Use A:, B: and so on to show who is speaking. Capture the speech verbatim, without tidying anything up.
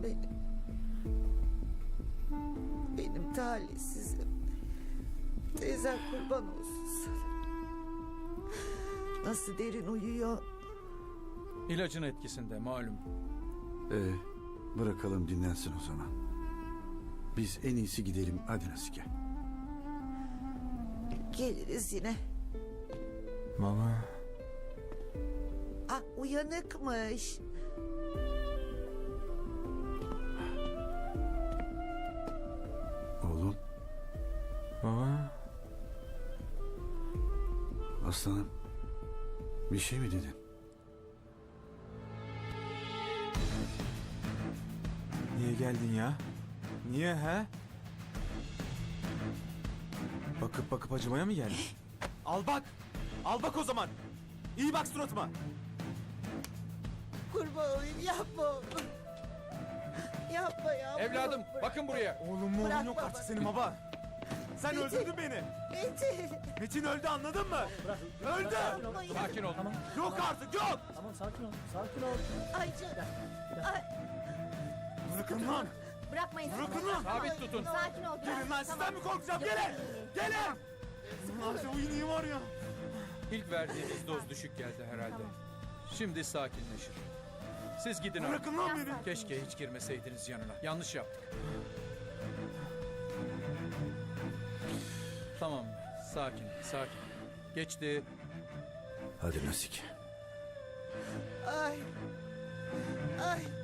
A: benim. Benim talihsizim. Teyzen kurban olsun sana. Nasıl derin uyuyor.
B: İlacın etkisinde malum.
C: Ee, bırakalım dinlensin o zaman. Biz en iyisi gidelim, hadi Nasike.
A: Geliriz yine.
D: Mama.
A: Ah, uyanıkmış.
C: Oğlum,
D: Baba.
C: aslanım. Bir şey mi dedin?
D: Niye geldin ya? Niye he? Bakıp bakıp acımaya mı geldin? Al bak. Al bak o zaman. İyi bak suratıma.
A: Kurban olayım, yapma oğlum. Yapma ya.
B: Evladım
A: bırak.
B: bakın buraya.
D: Oğlum mu
A: Bırak
D: oğlum yok
A: baba.
D: artık senin baba. Sen
A: Metin.
D: öldürdün beni.
A: Metin.
D: Metin öldü anladın mı? Öldü.
A: Yapma ya.
B: Sakin ol.
D: Yok artık yok.
E: Tamam sakin ol. Sakin ol.
A: Ay canım. Ay,
D: Bırakın lan.
F: Bırakmayın.
D: Bırakın lan.
B: Sabit tutun.
F: Sakin ol.
D: Gelin lan sizden mi korkacağım? Gelin. Gelin. Bunlar o iğneyi var ya.
B: İlk verdiğiniz doz düşük geldi herhalde. Şimdi sakinleşir. Siz gidin artık.
D: Bırakın lan beni.
B: Keşke hiç girmeseydiniz yanına. Yanlış yaptık. Tamam. Sakin, sakin. Geçti.
C: Hadi Nasike.
A: ay. Ay.